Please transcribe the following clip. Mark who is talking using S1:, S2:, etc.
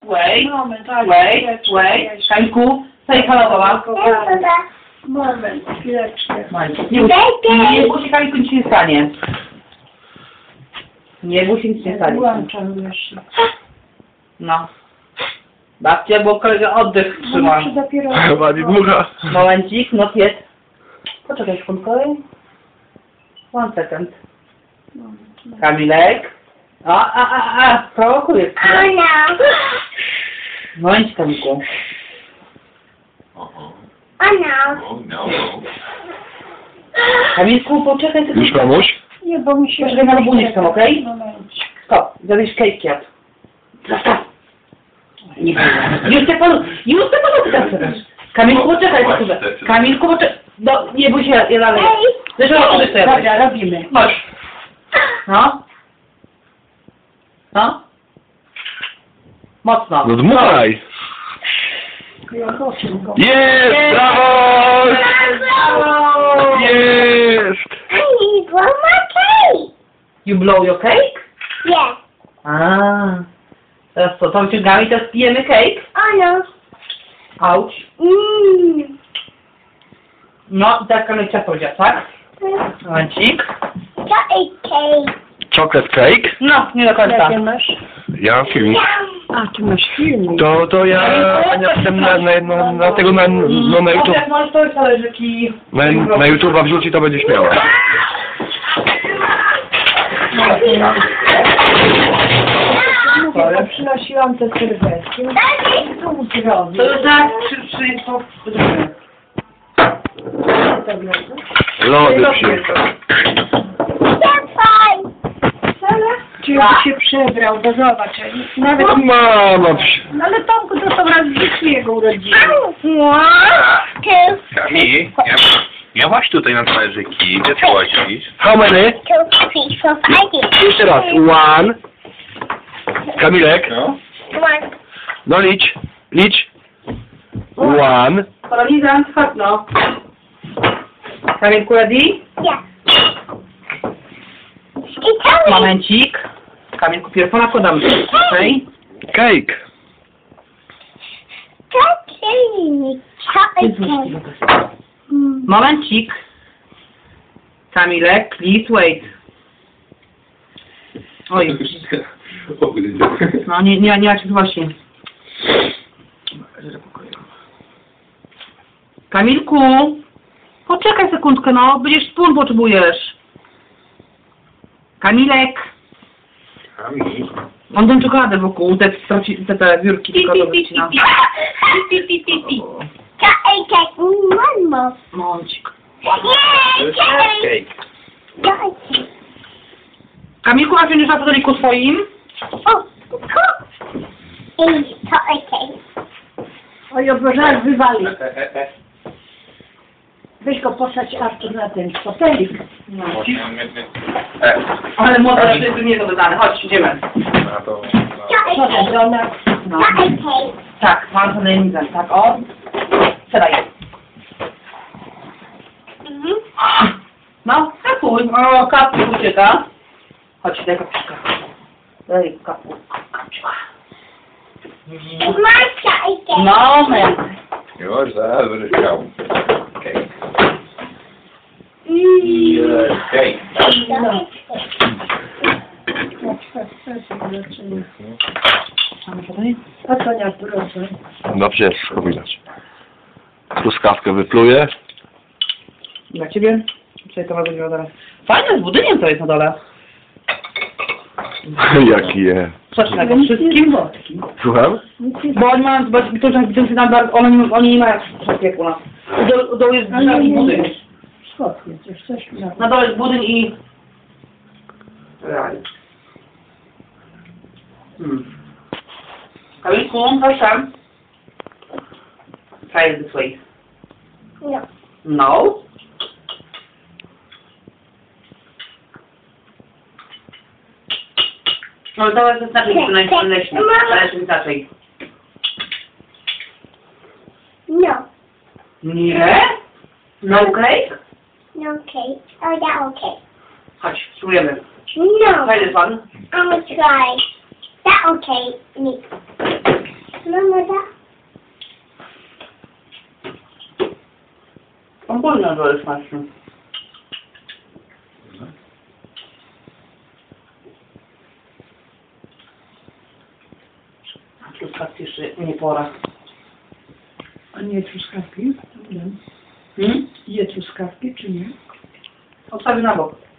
S1: Wait.
S2: Moment,
S1: Wait. Kańku, say hello, mama.
S2: Moment, chwileczkę.
S1: Nie bój się, Kańku, nic się nie stanie. Nie bój się, nic nie stanie.
S2: Włączam jeszcze.
S1: No. Babcia, bo kolega oddech trzyma.
S2: Muszę dopiero...
S3: Chyba nie dmucha.
S1: Momencik, no jest. Poczekaj sekundkę. 1 second. Kamilek. Prowokujesz. Momencik, Kamilku. Kamilku, poczekaj sekundkę.
S3: Już mamuś?
S2: Nie, bo mi się...
S1: Poczekaj na rabunek tam, okej?
S2: Momencik.
S1: Stop, zrobisz cake jadł. Nie już te panu teraz. Kamilku, poczekaj sekundkę. Kamilku, poczekaj. No, nie bój się, ja dalej. Zresztą ja
S2: Dobra, robimy.
S1: Chodź. No. No. Mocno.
S3: No dmuchaj. Jest! Brawo! Jest!
S4: I need one more cake.
S1: You blow your cake?
S4: Yes.
S1: Teraz co, to wyciągamy i teraz pijemy cake?
S4: Oh no.
S1: Auć. No i teraz Kamil ciasto będzie, tak? Momencik.
S4: Got a cake.
S3: Chocolate cake?
S1: No, nie do końca.
S2: Jakie masz?
S3: Ja mam filmik.
S2: A, ty masz filmik.
S3: To ja jestem na tego na YouTube.
S1: Jak możesz to talerzyki.
S3: Na YouTube'a wrzuci, to będzie śmiała.
S2: Mówię, przynosiłam te serwetki. Co mu zrobić?
S1: To już tak to...
S3: Lody przyjechał.
S4: That's fine.
S2: Czy już się przebrał, bo zobacz, nawet...
S3: No mama,
S2: No ale Tomku, to są raz w życiu jego urodziny.
S4: 1, 2,
S5: Kami, miałaś tutaj na talerzyki, gdzie ty łazisz?
S3: how many?
S4: 2, 3, 4, 5.
S3: Jeszcze raz. 1. Kamilek.
S5: No.
S4: 1.
S3: No licz. 1.
S1: Paralizant, chodź no. Kamilku, ready?
S4: Yeah. It's telling
S1: Momencik. Kamilku, pierwsza nakładamy. Okej?
S3: Cake.
S4: me. Chocolate cake.
S1: Momencik. Kamilek, please wait. Oj, no nie ma się właśnie. Kamilku, poczekaj sekundkę, no, będziesz spód potrzebujesz. Kamilek.
S5: Kami.
S1: On tą czekoladę wokół, te wiórki czekoladowe wycina.
S4: Chocolate cake. One more.
S1: Momencik.
S4: Yay, chocolate
S5: Cake.
S4: cake.
S1: Kamilku, a wziąć na stoliku swoim?
S4: Oh, cool. It's chocolate cake.
S2: Oj, obożar wywali. Weź go posać Artur na ten fotelik.
S1: No. Ale młoda jest nie to wydane. Chodź, idziemy.
S5: Na to.
S4: Chocolate cake.
S2: Żona.
S1: No.
S4: Chocolate cake.
S1: Tak, mam to najemnicę, tak, o. Siadaj. No, kapuj. O, kapuj ucieka. Chodź, daj kapuszka. Daj kapuszka.
S4: It's my chocolate cake.
S1: Moment.
S5: Już zaraz będziesz chciał. Cake. Cake.
S2: No. A co nie, proszę.
S3: Dobrze, wszystko widać. Truskawkę wypluje.
S1: Dla ciebie? Czyli to ma być na dole. Fajne z budyniem to jest na dole.
S3: Jaki je.
S1: Socznego wszystkim.
S3: Słucham?
S1: Bo oni mają, bo to się nadal, oni nie mają wszystkiego jak u nas. U dołu jest drugi budynek.
S2: Schopnie, coś na...
S1: Na dole jest budynek i... Kamilku, proszę. Try it this way.
S4: No.
S1: No. No to jest znacznie najleśniej. Zależy inaczej.
S4: No.
S1: Nie? No cake?
S4: No cake. Oh, that okay.
S1: Chodź, spróbujemy.
S4: No.
S1: Try this one.
S4: I'm gonna try. That okay. Me.
S1: On wolno, że jest smaczny. A truskawki jeszcze nie pora.
S2: A nie truskawki?
S1: Hmm?
S2: Je truskawki, czy nie?
S1: Odstawię na bok.